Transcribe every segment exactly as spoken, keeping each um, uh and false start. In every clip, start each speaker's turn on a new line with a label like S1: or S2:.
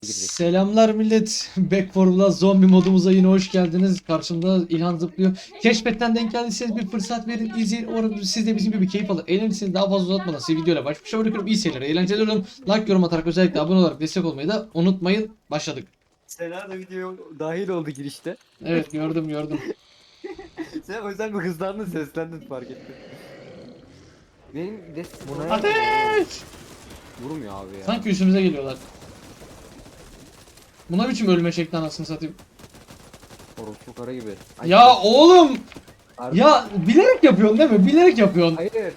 S1: girecek.
S2: Selamlar millet. Back for Blood zombi modumuza yine hoş geldiniz. Karşımda İlhan zıplıyor. Keşfetten denk geldiyseniz bir fırsat verin, izleyin. Umarım siz de bizim gibi keyif alın. Eğlenirseniz daha fazla uzatmadan size videoyla baş başa bırakıyorum. İyi seyirler, eğlenceler olun. Like, yorum atarak özellikle abone olarak destek olmayı da unutmayın. Başladık.
S1: Sena da videoya dahil oldu girişte.
S2: Evet, gördüm gördüm.
S1: Sen o yüzden bir hızlandın, seslendin, fark ettim. Benim de
S3: Bu ne?
S2: Ateş!
S1: vurmuyor abi ya.
S2: Sanki üstümüze geliyorlar. Buna biçim ölme şekli anasını satayım.
S1: Orospu kara gibi. Ay,
S2: Ya oğlum!
S1: Harbi-
S2: Ya bilerek yapıyorsun değil mi? Bilerek yapıyorsun.
S1: Hayır.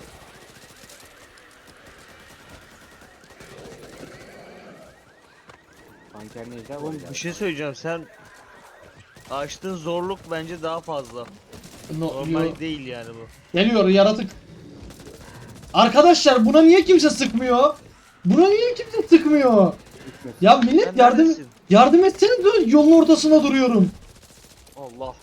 S1: Banker Necla var
S3: Oğlum
S1: ya.
S3: bir şey söyleyeceğim, sen açtığın zorluk bence daha fazla.
S2: No,
S3: Normal
S2: yo.
S3: değil yani bu.
S2: Geliyor yaratık. Arkadaşlar buna niye kimse sıkmıyor? Buna niye kimse sıkmıyor? Ya millet
S3: Sen
S2: yardım
S3: neredesin?
S2: yardım etseniz de yolun ortasında duruyorum.
S3: Allah.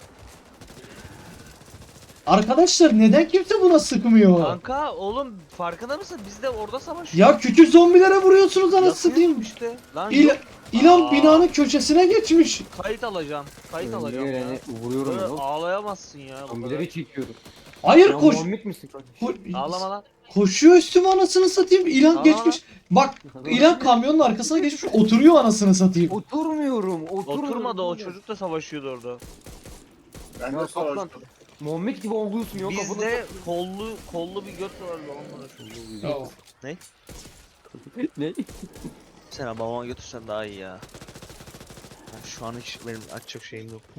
S2: Arkadaşlar neden kimse buna sıkmıyor?
S3: Kanka oğlum farkında mısın? Biz de orada savaşıyoruz.
S2: Ya küçük zombilere vuruyorsunuz anasını
S3: Yapıyorum
S2: satayım.
S3: işte. Lan
S2: İl
S3: yok.
S2: İlan
S3: Aa.
S2: binanın köşesine geçmiş.
S3: Kayıt alacağım. Kayıt
S1: Önüne
S3: alacağım ya.
S1: geleni vuruyorum
S3: Böyle
S1: ya.
S3: ağlayamazsın ya. bu kadar.
S1: Zombileri çekiyorum.
S2: Hayır
S1: Ya
S2: koş.
S1: Muhammed misin kardeşim?
S2: ko-
S3: Ağlama lan.
S2: koşuyor üstüme anasını satayım. İlan
S3: Ağlama
S2: geçmiş. Bak İlan kamyonun arkasına geçmiş oturuyor anasını satayım.
S1: Oturmuyorum, oturmuyorum.
S3: Oturmadı, o çocuk da savaşıyordu orada.
S4: Ben
S1: Ya
S4: de
S1: kaplan.
S4: savaştım.
S1: Muhammed gibi oluyorsun yok
S3: Bizde kollu kollu bir göt vardı onlara.
S2: Ya.
S1: Ne?
S3: Sen babama götürsen daha iyi ya. Ben şu an hiç benim açacak şeyim yok.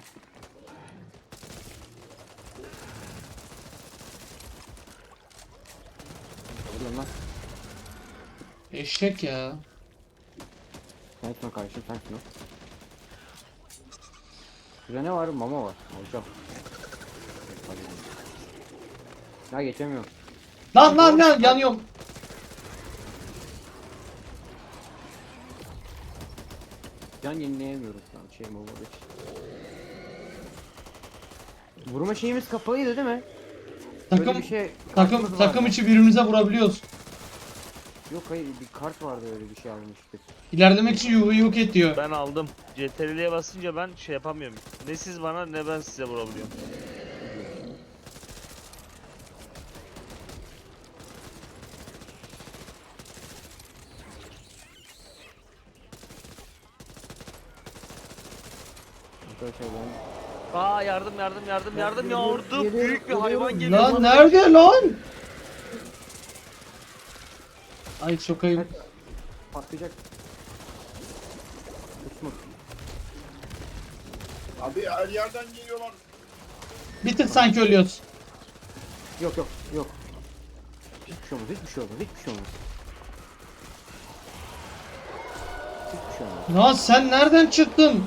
S1: Oğlum lan.
S2: Eşek ya.
S1: Sensin o kardeşim, sensin o. Şurada ne var? Mama var. Alacağım. Ya geçemiyorum.
S2: Lan lan lan yanıyorum.
S1: Can yenileyemiyorum şu an şeyim olmadığı için. Vurma şeyimiz kapalıydı değil mi? Böyle
S2: Takım
S1: bir şey
S2: takım
S1: kartımız
S2: takım
S1: vardı.
S2: içi birbirimize vurabiliyoruz.
S1: Yok hayır, bir kart vardı, öyle bir şey almıştık.
S2: İlerlemek için yuvu yok et diyor.
S3: Ben aldım. C T R L'ye basınca ben şey yapamıyorum. Ne siz bana ne ben size vurabiliyorum.
S1: Arkadaşlar ben...
S3: Aa yardım yardım yardım yardım ya,
S1: Geliyorum,
S3: orada
S1: geliyorum,
S3: büyük bir
S1: geliyorum.
S3: hayvan geliyor.
S2: Lan
S3: bana.
S2: nerede lan? Ay çok ayıp.
S1: Patlayacak. Uçma.
S4: Abi her yerden geliyorlar.
S2: Bir tık sanki ölüyoruz.
S1: Yok yok yok. Hiçbir şey olmaz, hiçbir şey olmaz, hiçbir şey olmaz. Hiçbir şey olmaz.
S2: Lan sen nereden çıktın?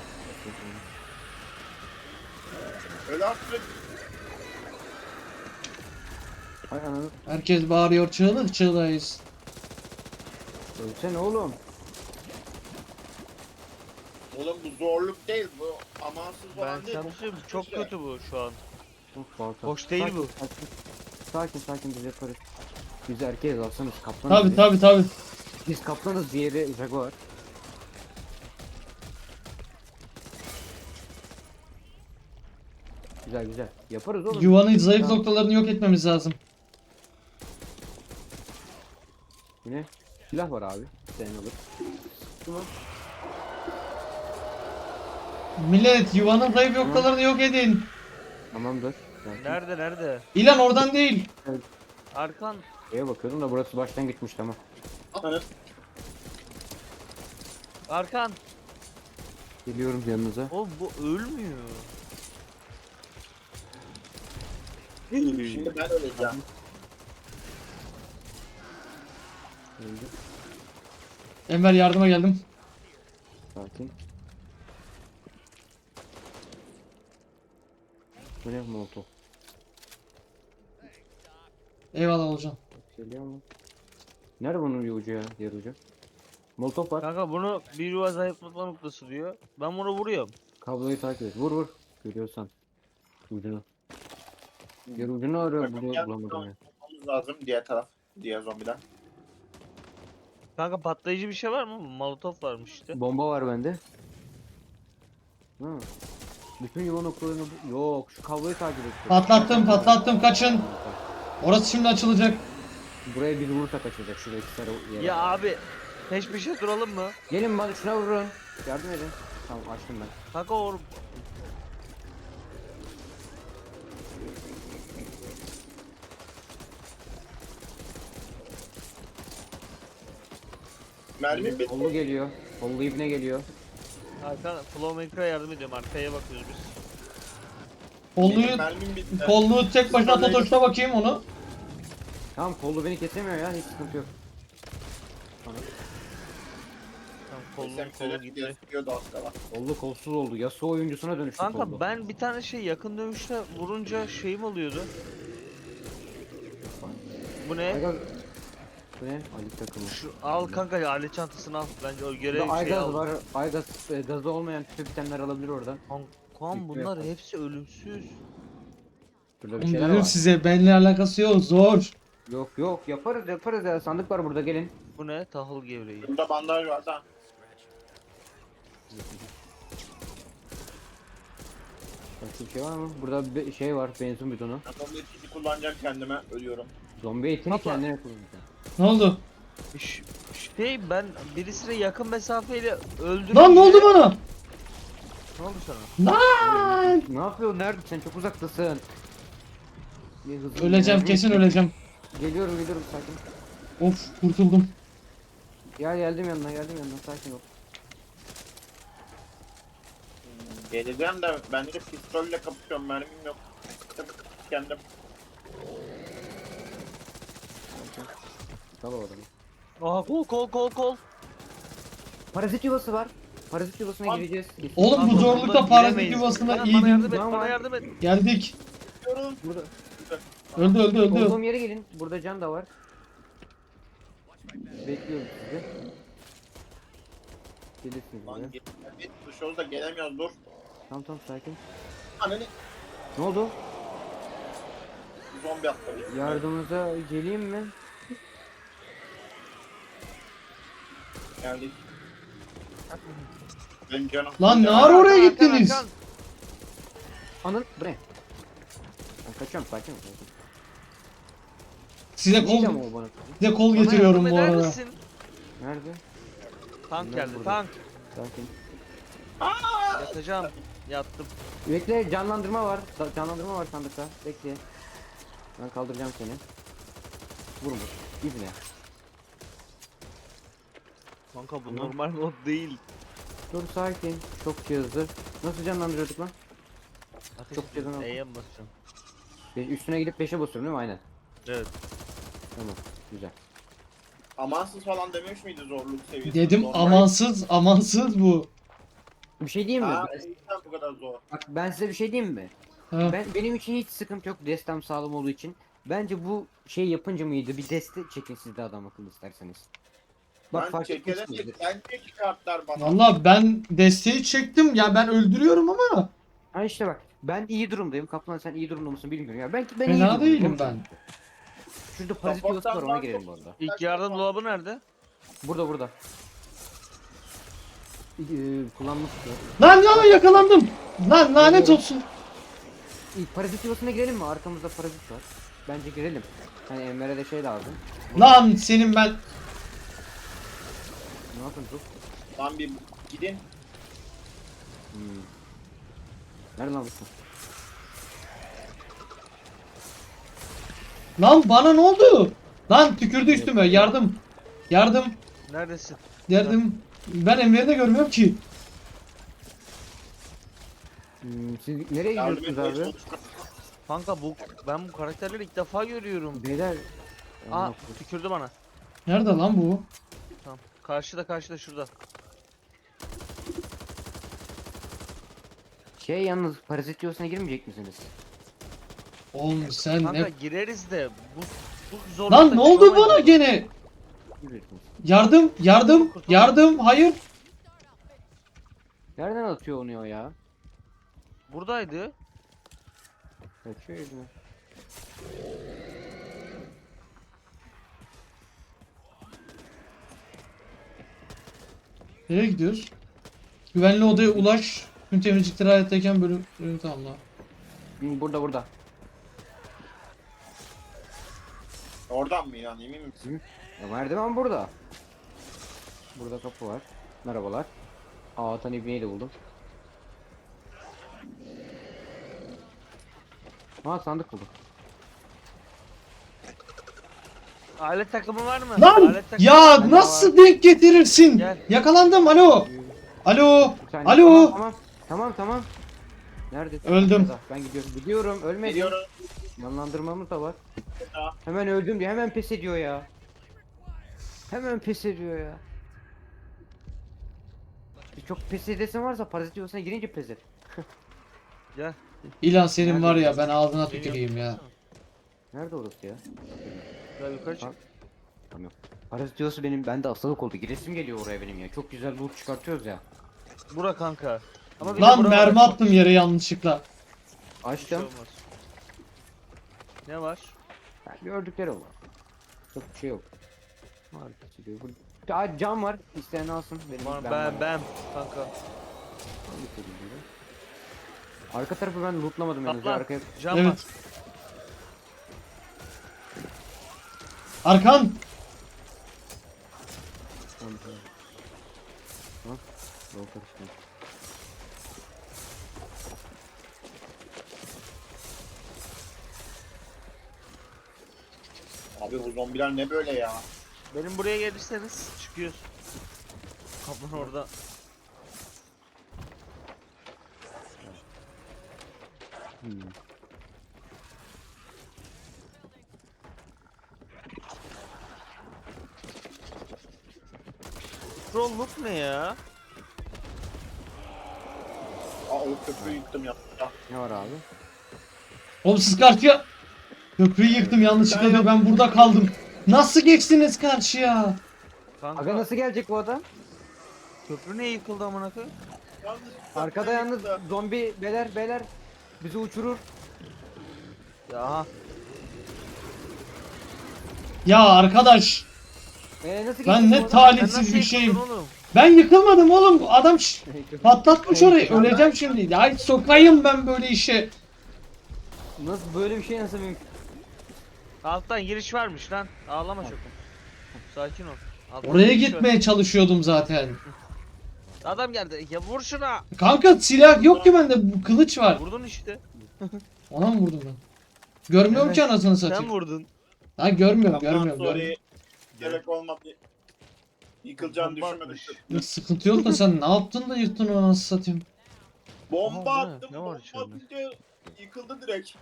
S4: Öyle artık.
S1: Hay ananı.
S2: Herkes bağırıyor çığlık çığlığıyız.
S1: Ölsene oğlum.
S4: Oğlum bu zorluk değil bu. Amansız
S3: Ben
S4: falan değil.
S3: sana bir şey söyleyeyim, çok kötü bu şu an.
S1: Of, balta.
S3: Hoş değil
S1: Sakin,
S3: bu.
S1: Sakin sakin, sakin biz yaparız. Biz erkeğiz, alsanız kaplanız.
S2: Tabi
S1: biz.
S2: tabi tabi.
S1: Biz kaplanız, diğeri jaguar. Güzel güzel. Yaparız oğlum.
S2: Yuvanın zayıf
S1: Tamam.
S2: noktalarını yok etmemiz lazım.
S1: Yine silah var abi. Sen alır. Tamam.
S2: Millet yuvanın zayıf noktalarını yok edin.
S1: Tamamdır. Sakin.
S3: Nerede nerede?
S2: İlan oradan değil.
S3: Arkan.
S1: Şeye bakıyordum da burası baştan gitmiş, tamam.
S3: Arkan.
S1: Geliyorum yanınıza.
S3: Oğlum bu ölmüyor.
S4: Şimdi ben öleceğim.
S1: Öldü.
S2: Enver yardıma geldim.
S1: Sakin. Bu ne molotov?
S2: Eyvallah olacağım.
S1: Geliyor mu? Nerede bunun bir ucu ya? Diğer ucu. Molotov var.
S3: Kanka bunu bir yuva zayıflatma noktası diyor. Ben bunu vuruyorum.
S1: Kabloyu takip et. Vur vur. Görüyorsan. Ucunu. Diğer ucunu arıyor. Buluyor, bulamadım ya.
S4: Bulmamız lazım diğer taraf. Diğer zombiler.
S3: Kanka patlayıcı bir şey var mı? Molotof varmış işte.
S1: Bomba var bende. Hı. Bütün yuva noktalarını... Yok, şu kabloyu takip et.
S2: Patlattım patlattım kaçın. Orası şimdi açılacak.
S1: Buraya bir vurursak açılacak şuradaki sarı yere.
S3: Ya abi peş peşe duralım mı?
S1: Gelin bana şuna vurun. Yardım edin. Tamam açtım ben.
S3: Kanka or
S4: Mermi bitti.
S1: Kollu geliyor. Kollu ibne geliyor.
S3: Hakan Flowmaker'a yardım ediyorum. Arkaya bakıyoruz biz.
S4: Benim
S2: Kolluğu,
S4: mermim bitti.
S2: kolluğu tek başına Totoş'ta bakayım onu.
S1: Tamam kollu beni kesemiyor ya hiç sıkıntı yok.
S3: Tamam kolun
S4: Sen
S3: kolu
S4: söyle
S3: gitti.
S4: gözüküyordu az kala.
S1: Kollu kolsuz oldu. Yasuo oyuncusuna dönüştü kollu.
S3: Kanka ben bir tane şey yakın dövüşte vurunca şeyim oluyordu. Bu ne?
S1: Aygaz... Bu ne? Ali takımı.
S3: Şu al kanka alet çantasını al. Bence o görev
S1: Burada
S3: şey
S1: Aygaz
S3: al.
S1: var. Aygaz e, gazı olmayan tüp bitenler alabilir oradan.
S3: Kankam bunlar hepsi ölümsüz.
S1: Burada bir şeyler
S2: Dedim
S1: var.
S2: size benimle alakası yok zor.
S1: Yok yok yaparız yaparız ya. Sandık var burada gelin.
S3: Bu ne? Tahıl gevreği.
S4: Burada bandaj var da.
S1: Başka bir şey var mı? Burada bir şey var. Benzin bidonu.
S4: Adamın etkisi kullanacağım kendime. Ölüyorum.
S1: Zombi etini
S3: Papa.
S1: kendine kullanacak.
S2: Ne oldu?
S3: Ş- Şey ben birisine yakın mesafeyle öldürdüm.
S2: Lan ne oldu bana?
S3: Ne oldu sana?
S2: Lan!
S1: Ne yapıyorsun? Nerede? Sen çok uzaktasın. Bir hızlı-
S2: Öleceğim kesin öleceğim.
S1: Geliyorum geliyorum sakin.
S2: Of kurtuldum.
S1: Gel geldim yanına geldim yanına sakin ol.
S4: Geleceğim de ben de pistolle kapışıyorum. Mermim yok. Kendim.
S1: Tamam o adamı.
S3: Aha kol kol kol kol.
S1: Parazit yuvası var. Parazit yuvasına
S4: Lan.
S1: gireceğiz.
S2: Oğlum bu
S3: Kanka,
S2: zorlukta
S3: bundan
S2: parazit
S3: giremeyiz.
S2: yuvasına
S3: Bana, bana
S2: iyiydim.
S3: yardım et,
S1: Tamam.
S3: bana yardım et.
S2: Geldik.
S4: Diyorum.
S1: Burada.
S2: Öldü öldü öldü.
S1: Olduğum yere gelin. Burada can da var. Bekliyorum sizi. Gelirsiniz buraya.
S4: Lan git. Git dışarıda da gelemiyoruz dur.
S1: Tamam tamam sakin.
S4: Ananı
S1: Ne oldu?
S4: zombi atladı.
S1: Yardımınıza geleyim mi?
S4: Geldik. Benim canım.
S2: Lan ne
S4: Canım.
S2: ara oraya
S3: Hakan,
S2: gittiniz?
S3: Hakan.
S1: Anıl bre. Ben kaçıyorum sakin ol. sakin.
S2: Size
S1: Neydi
S2: kol
S1: ama o bana?
S2: size kol
S3: Bana
S2: getiriyorum
S3: yardım
S2: bu
S3: eder
S2: arada.
S3: misin?
S1: Nerede?
S3: Tank
S1: Bunlar
S3: geldi
S1: burada.
S3: tank.
S1: Sakin.
S3: Yatacağım. Yattım.
S1: Bekle canlandırma var. Sa- Canlandırma var sandıkta. Bekle. Ben kaldıracağım seni. Vurma. İzle.
S3: Kanka bu
S1: Tamam.
S3: normal mod değil.
S1: Dur sakin. Çok hızlı. Nasıl canlandırıyorduk lan?
S3: Ateş
S1: Çok
S3: ediyorum,
S1: cezan oldu.
S3: E'ye mi basacağım?
S1: Be- Üstüne gidip peşe basıyorum değil mi? Aynen.
S3: Evet.
S1: Tamam. Güzel.
S4: Amansız falan dememiş miydi zorluk seviyesi?
S2: Dedim
S4: Zor.
S2: amansız amansız bu.
S1: Bir şey diyeyim mi?
S4: Ha,
S1: Ben,
S4: neden bu kadar zor?
S1: bak ben size bir şey diyeyim mi?
S2: Ha.
S1: Ben benim için hiç sıkıntı yok. Destem sağlam olduğu için. Bence bu şey yapınca mıydı? Bir deste çekin siz de adam akıllı isterseniz. Bak
S4: Ben
S1: fark
S4: çekene
S1: etmişsinizdir.
S4: sen niye kartlar bana?
S2: Valla ben desteği çektim ya ben öldürüyorum ama
S1: Ha işte bak. Ben iyi durumdayım. Kaplan sen iyi durumda mısın bilmiyorum ya. Belki ben iyi
S2: fena
S1: durumdayım.
S2: değilim ben.
S1: Şurada parazit yuvası var ona girelim bu arada.
S3: İlk yardım dolabı nerede?
S1: Burada burada. Ee, kullanmıştı.
S2: Lan lan yakalandım. Lan lanet olsun.
S1: İlk parazit yuvasına girelim mi? Arkamızda parazit var. Bence girelim. Hani Enver'e de şey lazım.
S2: Lan senin ben
S1: Ne yapın dur.
S4: Lan bir gidin.
S1: Hmm. Nerede lan bu?
S2: lan bana ne oldu? Lan tükürdü üstüme yardım. Yardım.
S3: Neredesin?
S2: Yardım. Ben Enver'i de görmüyorum ki.
S1: Hmm, siz nereye
S4: Yardım
S1: gidiyorsunuz
S4: etmeye
S1: abi?
S4: çalışıyorum.
S3: Kanka bu ben bu karakterleri ilk defa görüyorum.
S1: Beyler.
S3: Aa tükürdü bana.
S2: Nerede lan bu?
S3: Tamam. Karşıda karşıda şurada.
S1: Şey yalnız parazit yuvasına girmeyecek misiniz?
S2: Oğlum sen
S3: Kanka
S2: ne?
S3: gireriz de bu bu zorlukta
S2: Lan ne oldu
S3: çıkamayız.
S2: bana gene?
S1: Gireceksiniz.
S2: Yardım, yardım, yardım. Hayır.
S1: Nereden atıyor onu o ya?
S3: Buradaydı.
S1: Kaçıyor yüzüne.
S2: Nereye gidiyoruz? Güvenli odaya ulaş. Tüm temizlikleri hayattayken bölüm, bölüm tamamla.
S1: Hı, Burada burada.
S4: Oradan mı yani emin misin?
S1: Ya merdiven burada. Burada kapı var. Merhabalar. Aa Atan İbni'yi de buldum. Ha sandık buldum.
S3: Alet takımı var mı?
S2: Lan!
S3: Alet takımı
S2: Ya
S3: var mı?
S2: nasıl denk getirirsin?
S3: Gel.
S2: Yakalandım. Alo. Alo.
S1: Bir saniye.
S2: Alo.
S1: Tamam tamam. Tamam tamam. Neredesin?
S2: Öldüm.
S1: Aşağıda. Ben gidiyorum. Gidiyorum. Ölmedim.
S4: Geliyorum.
S1: Yanlandırmamız da var.
S4: Ya.
S1: Hemen öldüm diye hemen pes ediyor ya. Hemen pes ediyor ya. Bir çok pes edesin varsa parazit yuvasına girince pes et.
S3: Gel.
S2: İlan senin var ya ben ağzına tüküreyim ya.
S1: Nerede orası ya?
S3: Gel yukarı çık.
S1: Tamam. Tamam. Parazit yuvası benim bende hastalık oldu. Giresim geliyor oraya benim ya. Çok güzel loot çıkartıyoruz ya.
S3: Bura kanka. Ama bir de
S2: Lan
S3: bura
S2: mermi
S3: var.
S2: attım yere yanlışlıkla.
S3: Bir şey
S1: Açtım.
S3: olmaz. Ne var?
S1: Yani gördükleri var. Çok bir şey yok. Var bir şey yok. Aa, cam var. İsteyen alsın. Benim
S3: Var
S1: ben,
S3: ben ben kanka.
S1: Arka tarafı ben lootlamadım yalnız.
S3: Atla.
S1: Arkaya
S3: Cam var.
S2: Evet. Arkan.
S1: Tamam, tamam. Tamam. Yol karıştı.
S4: Abi bu zombiler ne böyle ya?
S3: Benim buraya gelirseniz çıkıyoruz. Kaplan orada.
S1: Hmm.
S3: Trolluk ne ya?
S4: Aa o köprüyü yıktım ya. Ya.
S1: Ne var abi?
S2: Oğlum siz karşıya. Köprüyü yıktım yanlışlıkla diyor ben burada kaldım. Nasıl geçtiniz karşıya?
S3: Kanka
S1: Aga nasıl gelecek bu adam?
S3: köprü niye yıkıldı amına koyayım?
S4: Yalnız
S1: Arkada yalnız
S4: yıktı.
S1: zombi beler beler bizi uçurur.
S3: Ya aha.
S2: Ya arkadaş.
S1: Ee, nasıl
S2: Ben
S1: geçecek
S2: ne
S1: bu adam?
S3: Sen
S2: talihsiz
S3: nasıl
S2: bir
S3: yıkıldın
S2: şeyim.
S3: oğlum?
S2: Ben yıkılmadım oğlum. Adam ş- patlatmış orayı. Öleceğim şimdi. Ay sokayım ben böyle işe.
S1: Nasıl böyle bir şey nasıl mümkün?
S3: Alttan giriş varmış lan. Ağlama çok. Sakin ol. Alttan
S2: Oraya
S3: giriş var.
S2: gitmeye çalışıyordum zaten.
S3: Adam geldi. Ya vur şuna.
S2: Kanka silah yok ki bende. Bu kılıç var.
S3: Vurdun işte.
S2: Ona mı vurdum ben? Görmüyorum
S1: Evet.
S2: ki anasını
S3: Sen
S2: satayım.
S3: vurdun.
S2: Ha görmüyorum
S4: Ondan
S2: görmüyorum.
S4: sonra
S2: görmüyorum.
S4: gerek olmadı. Yıkılacağını
S3: Bomba
S4: düşünmedim.
S3: atmış.
S2: Yok, sıkıntı yok da sen ne yaptın da yırttın onu anasını satayım.
S4: Bomba
S3: Aha, bu ne?
S4: attım.
S3: Ne var
S4: Bomba
S3: içeride?
S4: atınca yıkıldı direkt.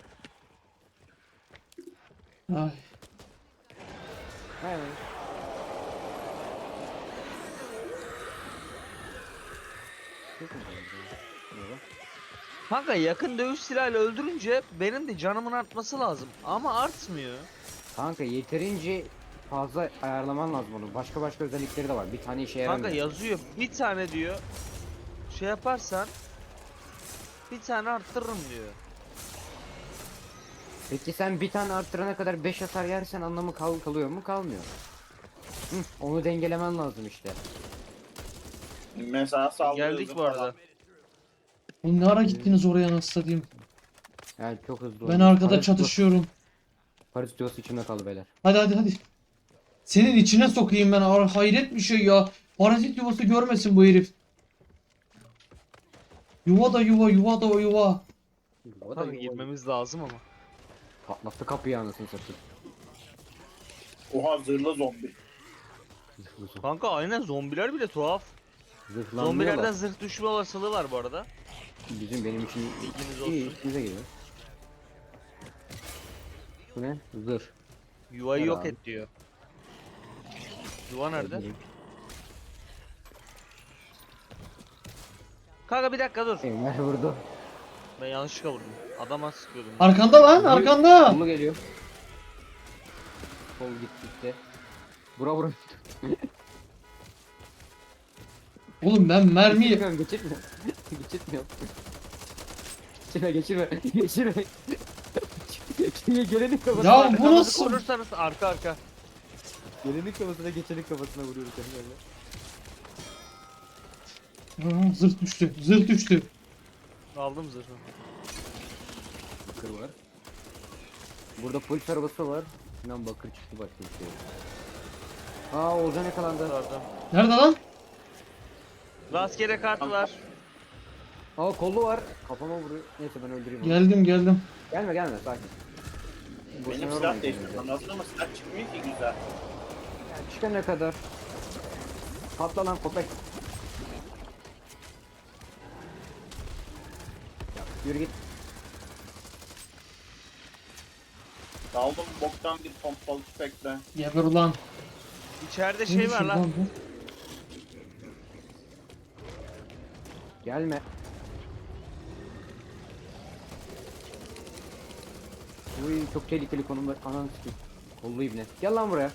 S2: Ay.
S1: Evet.
S3: Kanka yakın dövüş silahıyla öldürünce benim de canımın artması lazım. Ama artmıyor.
S1: Kanka yeterince fazla ayarlaman lazım onu. Başka başka özellikleri de var. Bir tane işe yaramıyor.
S3: Kanka yazıyor bir tane diyor. Şey yaparsan bir tane arttırırım diyor.
S1: Peki sen bir tane arttırana kadar beş hasar yersen anlamı kal kalıyor mu? Kalmıyor. Hı, onu dengelemen lazım işte.
S4: Mesela saldırı
S3: Geldik
S4: hızı
S3: bu arada.
S4: falan.
S2: Oğlum ne ara gittiniz oraya anasını satayım.
S1: Yani çok hızlı.
S2: Ben
S1: oldu.
S2: arkada
S1: Parazit
S2: çatışıyorum.
S1: Parazit yuvası içimde kaldı beyler.
S2: Hadi hadi hadi. Senin içine sokayım ben. Ar- Hayret bir şey ya. Parazit yuvası görmesin bu herif. Yuva da yuva, yuva da o yuva.
S1: O da
S3: Kanka
S1: yuva-
S3: girmemiz lazım ama.
S1: Patlattı kapıyı anasını satayım.
S4: Oha zırhlı zombi.
S3: Kanka aynen zombiler bile tuhaf.
S1: Zırhlanmıyorlar.
S3: Zombilerden zırh düşme olasılığı var bu arada.
S1: Bizim benim için
S3: Bilginiz
S1: iyi
S3: olsun.
S1: işimize geliyor. Bu ne? Zırh.
S3: Yuvayı
S1: Gel
S3: yok
S1: abi.
S3: et diyor. Yuva nerede?
S1: Öldüreyim.
S3: Kanka bir dakika dur.
S1: Enver vurdu.
S3: Ben yanlışlıkla vurdum. Adama sıkıyordum.
S2: Arkanda lan arkanda.
S1: Solu geliyor. Sol gitti gitti. Bura bura.
S2: Oğlum ben mermiyi...
S1: Geçirmiyorum geçirmiyorum. Geçirmiyorum. Geçirme geçirme. Geçirme. Geçirme gelenin kafasına.
S2: Ya bu
S3: Arkamızı
S2: nasıl?
S3: korursanız arka arka.
S1: Gelenin kafasına geçenin kafasına vuruyoruz seni böyle.
S2: Aa, zırh düştü. Zırh düştü.
S3: Aldım zırhı.
S1: Bakır var. Burada polis arabası var. Lan bakır çıktı başka bir şey. yok. Aa Oğuzhan yakalandı.
S3: Gördüm.
S2: Nerede lan?
S3: Rastgele kart var.
S1: Aa kollu var. Kafama vuruyor. Neyse ben öldüreyim onu.
S2: Geldim geldim.
S1: Gelme gelme sakin. Boşuna
S4: Benim
S1: yormayın
S4: silah değiştirmem
S1: kendinizi.
S4: lazım ama silah çıkmıyor ki güzel.
S1: Yani çıkana kadar. Patla lan köpek. Ya, yürü git.
S4: Daldım boktan bir pompalı tüfekle.
S2: Geber ulan.
S3: İçeride
S2: Ne
S3: şey var
S2: düşürdü
S3: lan.
S2: bu?
S1: Gelme. Uy çok tehlikeli konumda. Ananı sikeyim. Kollu ibne. Gel lan buraya.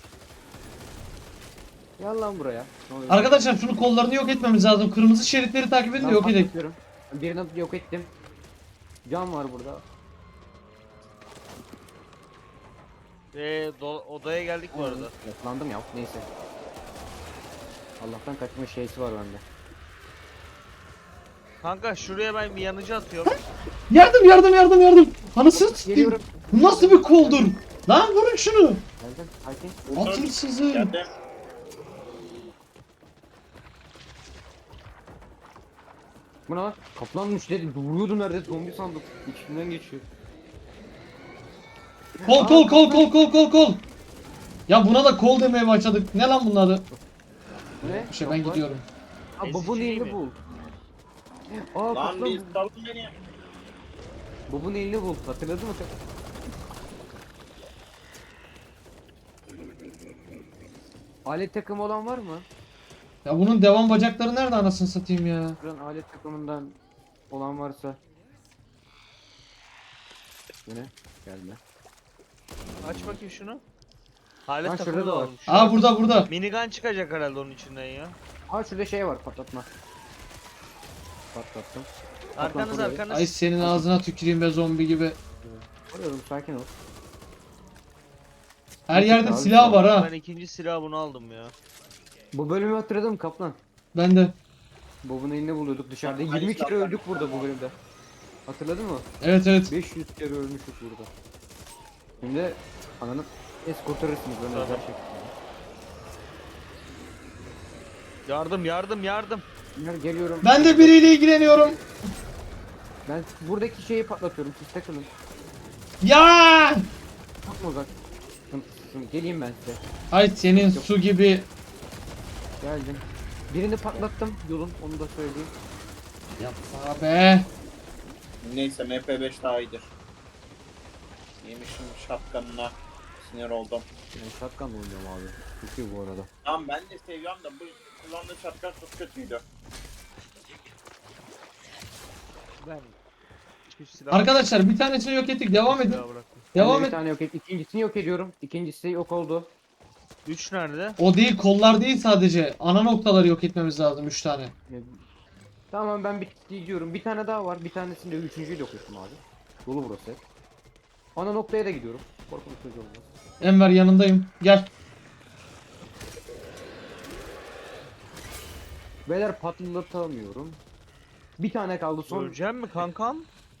S1: Gel lan buraya. Ne oluyor?
S2: Arkadaşlar şunu kollarını yok etmemiz lazım. Kırmızı şeritleri takip edin de
S1: Ben
S2: yok edelim.
S1: patlatıyorum. Birini yok ettim. Can var burada.
S3: Ee, do- odaya geldik bu arada.
S1: Yakalandım ya. Neyse. Allah'tan kaçma şeysi var bende.
S3: Kanka şuraya ben bir yanıcı atıyorum.
S2: Yardım yardım yardım yardım. Anasını satayım.
S1: Geliyorum.
S2: Bu nasıl bir koldur? Lan vurun şunu.
S1: Geldim. Sakin.
S4: Vurdum.
S2: Atın sizi.
S4: Geldim.
S1: Bu ne lan? Kaplanmış dedi. Duruyordu nerede? Zombi sandım. İçinden geçiyor.
S2: Kol kol kol kol kol kol kol. Ya buna da kol demeye başladık. Ne lan bunun adı?
S1: Bu ne?
S2: Bir şey ben
S1: Yok lan.
S2: gidiyorum.
S1: Ha
S3: Ezici
S1: babun
S3: değil
S1: elini
S3: mi?
S1: bul. Aa
S4: Lan
S1: kaplan.
S4: bir salın beni.
S1: Babun elini bul. Hatırladın mı sen? Alet takımı olan var mı?
S2: Ya bunun devam bacakları nerede anasını satayım ya?
S1: Buranın alet takımından olan varsa. Bu ne? Gelme.
S3: Aç bakayım şunu. Halet
S1: Lan
S3: takımı
S1: şurada
S3: da
S1: da var.
S3: olmuş.
S2: Aa burada burada.
S3: Minigun çıkacak herhalde onun içinden ya.
S1: Aa şurada şey var patlatma. Patlattım.
S3: Arkanız
S1: buraya.
S3: arkanız.
S2: Ay senin ağzına tüküreyim be zombi gibi.
S1: Arıyorum sakin ol.
S2: Her yerde
S1: Abi,
S2: silah var ha.
S3: Ben ikinci silahı bunu aldım ya.
S1: Bu bölümü hatırladın mı kaplan?
S2: Ben de.
S1: Bob'un elini buluyorduk dışarıda.
S4: Ay,
S1: yirmi kere
S4: silahlar.
S1: öldük burada bu bölümde. Hatırladın mı?
S2: Evet evet.
S1: beş yüz kere ölmüştük burada. Şimdi ananı es kurtarırsınız ben
S3: Tamam.
S1: özel şekilde.
S3: Yardım yardım yardım.
S1: Gel, geliyorum.
S2: Ben de biriyle ilgileniyorum.
S1: Ben buradaki şeyi patlatıyorum. Siz takılın.
S2: Ya!
S1: Çok mu uzak? Sıkıntısın. Geleyim ben size.
S2: Ay senin su gibi.
S1: Geldim. Birini patlattım yolun. Onu da söyleyeyim.
S2: Yapma be.
S4: Neyse M P beş daha iyidir. Yemişim şapkanına. Sinir oldum.
S1: Ben shotgun oynuyorum abi. Çok iyi bu arada.
S4: Tamam ben de seviyorum da bu kullandığı şapkan çok kötüydü.
S3: Ben hiçbir silah
S2: Arkadaşlar bir tanesini yok ettik. Devam edin.
S3: silah bıraktım.
S2: Devam
S1: Ben de
S2: et.
S1: bir tane yok et. İkincisini yok ediyorum. İkincisi yok oldu.
S3: Üç nerede?
S2: O değil kollar değil sadece. Ana noktaları yok etmemiz lazım üç tane.
S1: Ya, Tamam ben bir gidiyorum. Bir tane daha var. Bir tanesini de üçüncüyü yok ettim abi. Dolu burası. Ana noktaya da gidiyorum. Korkunç çocuğu olmaz.
S2: Enver yanındayım. Gel.
S1: Beyler patlatamıyorum. Bir tane kaldı son.
S3: Öleceğim mi kankam?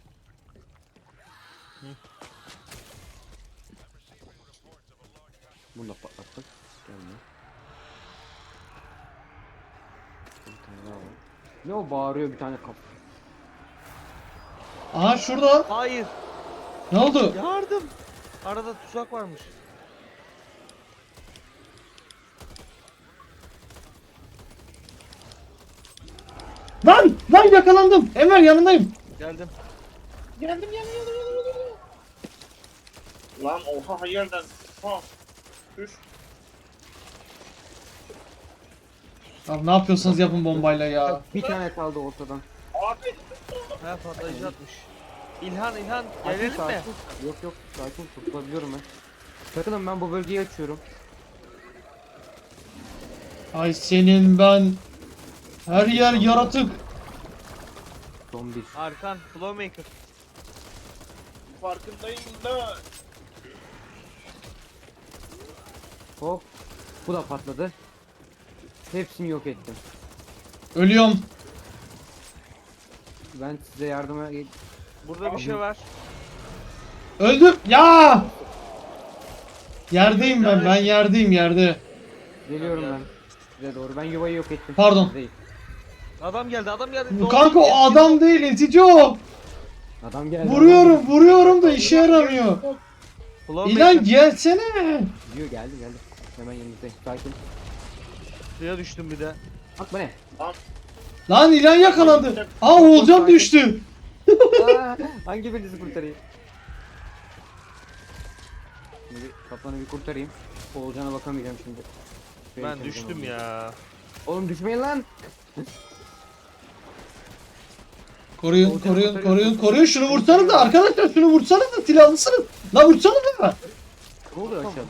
S1: Bunu da patlattık. Gelme. Bir tane daha var. Ne o bağırıyor bir tane kap.
S2: Aha şurada.
S3: Hayır.
S2: Ne oldu?
S3: Yardım. Arada tuzak varmış.
S2: Lan! Lan yakalandım. Enver yanındayım.
S3: Geldim.
S4: Geldim geldim geldim geldim geldim. Lan oha hayırdan. Ha. Düş.
S2: Abi ne yapıyorsanız yapın bombayla ya.
S1: Bir tane kaldı ortadan.
S4: Abi.
S3: Ha patlayıcı atmış. İlhan İlhan
S1: Sakin,
S3: gelelim mi?
S1: sakin. Yok yok sakin kurtulabiliyorum ben. Takılın ben bu bölgeyi açıyorum.
S2: Ay senin ben. Her yer yaratık.
S1: Son bir.
S3: Arkan Flowmaker.
S4: Farkındayım da.
S1: Hop. Bu da patladı. Hepsini yok ettim.
S2: Ölüyorum.
S1: Ben size yardıma gel.
S3: Burada bir şey var.
S2: Öldüm. Ya! Yerdeyim ben. Ben yerdeyim yerde.
S1: Geliyorum ben. Size doğru. Ben yuvayı yok ettim.
S2: Pardon.
S1: Değil.
S3: Adam geldi adam geldi.
S2: Bu kanka o adam değil etici o.
S1: Adam geldi.
S2: Vuruyorum vuruyorum da işe yaramıyor.
S3: Ulan
S2: İlan gelsene.
S1: Diyor geldi geldi. Hemen yanınızdayım. Sakin.
S3: suya düştüm bir de.
S1: Bak bu ne?
S2: Lan İlan yakalandı. Aa Oğulcan düştü.
S1: Aa, hangi birinizi kurtarayım? Şimdi kaplanı bir kurtarayım. Oğulcan'a bakamayacağım şimdi. Şuraya
S3: Ben
S1: gideceğim
S3: düştüm
S1: onu.
S3: ya.
S1: Oğlum düşmeyin lan.
S2: Koruyun
S1: Oğulcan'ı
S2: koruyun
S1: kurtarıyorsun.
S2: koruyun koruyun şunu vursanız da arkadaşlar şunu vursanız da silahlısınız. La vursanız da.
S1: Ne oluyor aşağıda?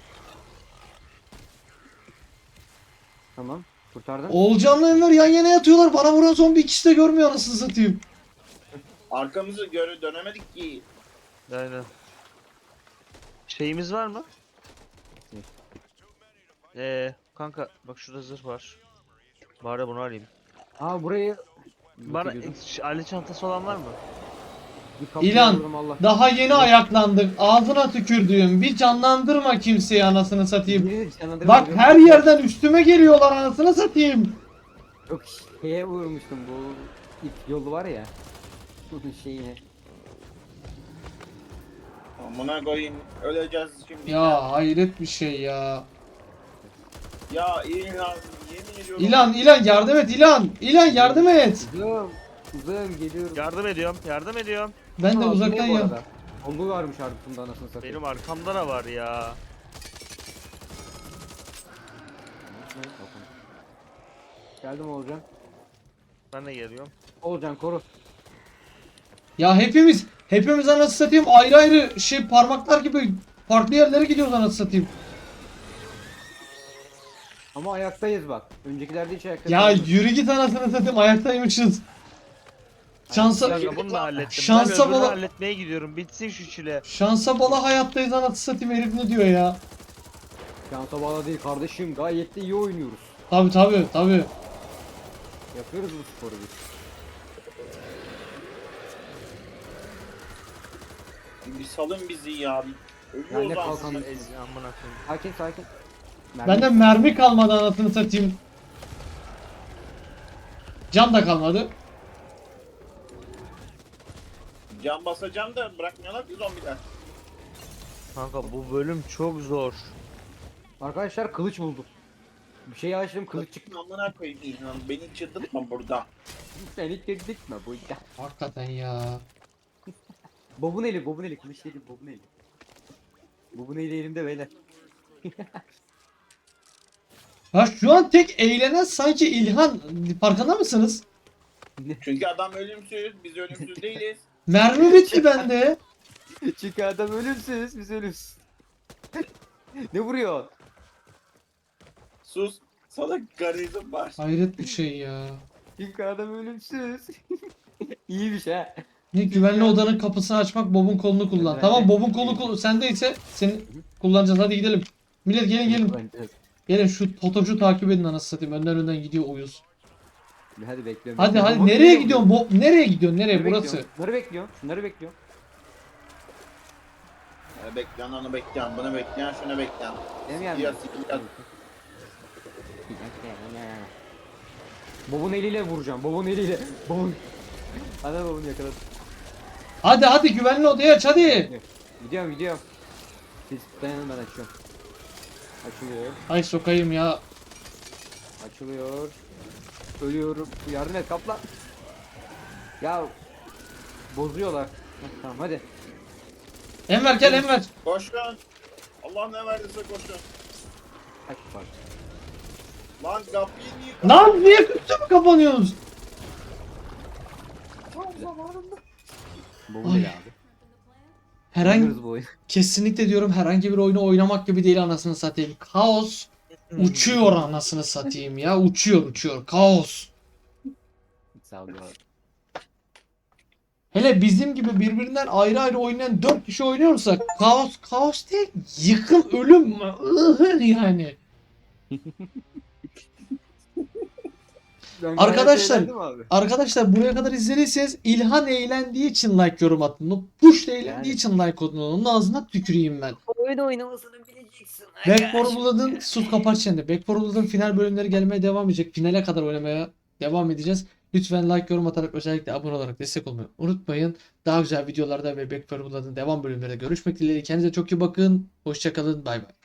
S1: Tamam. Kurtardın.
S2: Oğulcan'la Enver yan yana yatıyorlar. Bana vuran zombi ikisi de görmüyor anasını satayım.
S4: Arkamızı göre dönemedik ki.
S3: Aynen. Şeyimiz var mı?
S1: Ne?
S3: Eee kanka bak şurada zırh var. Bari bunu alayım.
S1: Aa burayı
S3: Bana
S1: ediyordum.
S3: e, aile çantası olan var mı?
S1: Bir kapıya
S2: İlan
S1: vurdum, Allah.
S2: daha yeni ayaklandık. Ağzına tükürdüğüm bir canlandırma kimseyi anasını satayım.
S1: Biri canlandırma
S2: Bak
S1: vuruyor.
S2: her yerden üstüme geliyorlar anasını satayım.
S1: Yok şeye vurmuştum bu ip yolu var ya. Bunun şeyine.
S4: Amına koyayım. Öleceğiz şimdi.
S2: Ya hayret bir şey ya.
S4: Ya İlhan yemin ediyorum.
S2: İlan İlan yardım et İlan. İlan yardım et.
S1: Uzağım. Uzağım geliyorum.
S3: Yardım ediyorum yardım ediyorum.
S2: Ben de
S1: Aa,
S2: uzaktan
S1: bu
S2: ya.
S1: arada. Bomba varmış ardında anasını satayım.
S3: Benim arkamda da var ya.
S1: Geldim Oğulcan.
S3: Ben de geliyorum.
S1: Oğulcan koru.
S2: Ya hepimiz hepimiz anasını satayım ayrı ayrı şey parmaklar gibi farklı yerlere gidiyoruz anasını satayım.
S1: Ama ayaktayız bak. Öncekilerde hiç ayakta
S2: Ya
S1: kalmadık.
S2: yürü git anasını satayım ayaktaymışız. Şansa
S3: Kanka bunu da hallettim.
S2: Şansa
S3: ben öbürünü
S2: bala-
S3: halletmeye gidiyorum. Bitsin şu çile.
S2: şansa bala hayattayız anasını satayım herif ne diyor ya.
S1: Şansa bağlı değil kardeşim. Gayet de iyi oynuyoruz.
S2: Tabi tabi tabi.
S1: Yapıyoruz bu sporu biz.
S4: Bir salın bizi ya. Bir
S1: Yani
S4: ölüyoruz
S1: kalkan-
S4: aslında.
S3: Ez amına koyayım.
S1: Sakin sakin. Mermi-
S2: Bende mermi kalmadı anasını satayım. Can da kalmadı.
S4: Can basacağım da bırakmıyorlar ki zombiler.
S3: Kanka bu bölüm çok zor.
S1: Arkadaşlar kılıç buldum. Bir şey açtım kılıç çıktı.
S4: Amına koyayım İlhan. Beni çıldırtma burada.
S1: Seni tehdit mi bu ya?
S2: Hakikaten ya.
S1: Bobun eli, bobun eli, kılıç değil, bobun eli. Bobun eli elimde beyler.
S2: Ya şu an tek eğlenen sanki İlhan. Farkında mısınız?
S4: Çünkü adam ölümsüz. Biz ölümsüz değiliz.
S2: Mermi bitti bende.
S1: Çünkü adam ölümsüz, biz ölümsüz. Ne vuruyor?
S4: Sus. Sana garizm var.
S2: Hayret bir şey ya.
S1: Çünkü adam ölümsüz. İyiymiş ha.
S2: Ne güvenli odanın kapısını açmak Bob'un kolunu kullan.
S1: Evet,
S2: Tamam
S1: evet.
S2: Bob'un kolu kol sendeyse seni kullanacağız hadi gidelim. Millet gelin gelin.
S1: Bence-
S2: Gelin şu Totoş'u takip edin anasını satayım. Önden önden gidiyor uyuz.
S1: Hadi bekliyorum.
S2: Hadi
S1: bekliyorum.
S2: hadi
S1: Bobun
S2: nereye
S1: eli
S2: gidiyorsun? Bob nereye gidiyorsun? Nereye?
S1: Şunları
S2: Burası.
S1: bekliyorum, Şunları bekliyorum. Şunları bekliyorum.
S4: Ee, bekleyen onu bekleyen. Bunu bekleyen şunu bekleyen.
S1: Benim yanımda.
S4: Siyah siyah.
S1: Bobun eliyle vuracağım. Bobun eliyle. Bobun. Hadi bobun yakaladım.
S2: Hadi hadi güvenli odaya aç hadi.
S1: Gidiyorum gidiyorum. Siz dayanın ben açıyorum. Açılıyor.
S2: Ay sokayım ya.
S1: Açılıyor. Ölüyorum. Yardım et kaplan. Ya bozuyorlar. Heh, tamam hadi.
S2: Enver gel Enver.
S4: Koşun. Allah ne verdiyse koşun.
S1: Kaç var.
S4: Lan kapıyı niye
S2: Lan niye kötü mü kapanıyorsunuz?
S4: tam zamanında?
S1: Bobun
S2: Ay.
S1: eli abi.
S2: Herhangi
S1: Oynuyoruz bu oyunu.
S2: kesinlikle diyorum herhangi bir oyunu oynamak gibi değil anasını satayım. Kaos uçuyor anasını satayım ya. Uçuyor uçuyor. Kaos.
S1: Sağ ol abi.
S2: Hele bizim gibi birbirinden ayrı ayrı oynayan dört kişi oynuyorsak kaos kaos değil yıkım ölüm ıhır yani.
S1: Ben gayet
S2: Arkadaşlar,
S1: eğlendim abi.
S2: Arkadaşlar buraya kadar izlediyseniz İlhan eğlendiği için like yorum atın. Push da eğlendiği
S1: Yani.
S2: için like atın. Onun ağzına tüküreyim ben.
S1: Oyun oynamasını bileceksin.
S2: Back for Blood'ın sus kapat çeneni. Back for Blood'ın final bölümleri gelmeye devam edecek. Finale kadar oynamaya devam edeceğiz. Lütfen like yorum atarak özellikle abone olarak destek olmayı unutmayın. Daha güzel videolarda ve Back for Blood'ın devam bölümlerinde görüşmek dileğiyle. Kendinize çok iyi bakın. Hoşçakalın. Bay bay.